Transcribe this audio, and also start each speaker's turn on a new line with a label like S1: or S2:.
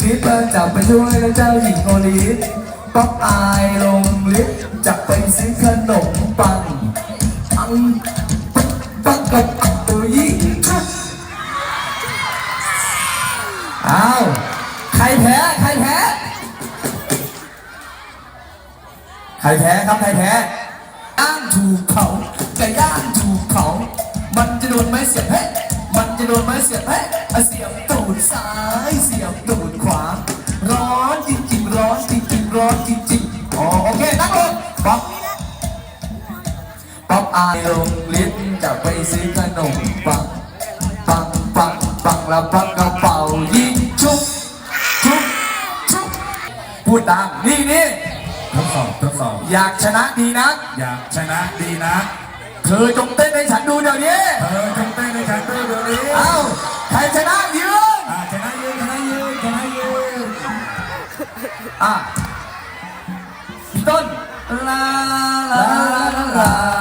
S1: ชิดแล้วจับไปช่วยแล้วเจ้าหญิงโอลีฟป๊อปอายลงลิฟต์จับไปซื้อขนมปังปังกับตัวยิ่งอ้าวใครแพ้ใครแพ้ใครแพ้ครับใครแพ้ย่างถูกเขาไก่ย่างถูกเขามันจะโดนไม้เสียบเฮ้มันจะโดนไม้เสียบเฮ้เสียบตูดซ้ายเสียบตูดขวาร้อนจริงๆร้อนจริงๆร้อนจริงๆอ๋อโอเคนั่งลงป๊อปป๊อปอายลงลิ้นจะไปซื้อขนมปังปังปังปังแล้วปังกระเป๋ายิงชุบชุบชุบพูดตามนี่
S2: ทดสอบ
S1: อยากชนะดีนัก
S2: อยากชนะดีนะ
S1: เธอจงเต้นให้ฉันดูเดี๋ยวนี้
S2: เธอจงเต้นในฉันด้วยเดี๋ยวนี้
S1: เอ้าใครชนะยืน
S2: ชนะยืน
S1: พี่ต้นลาลาลาลา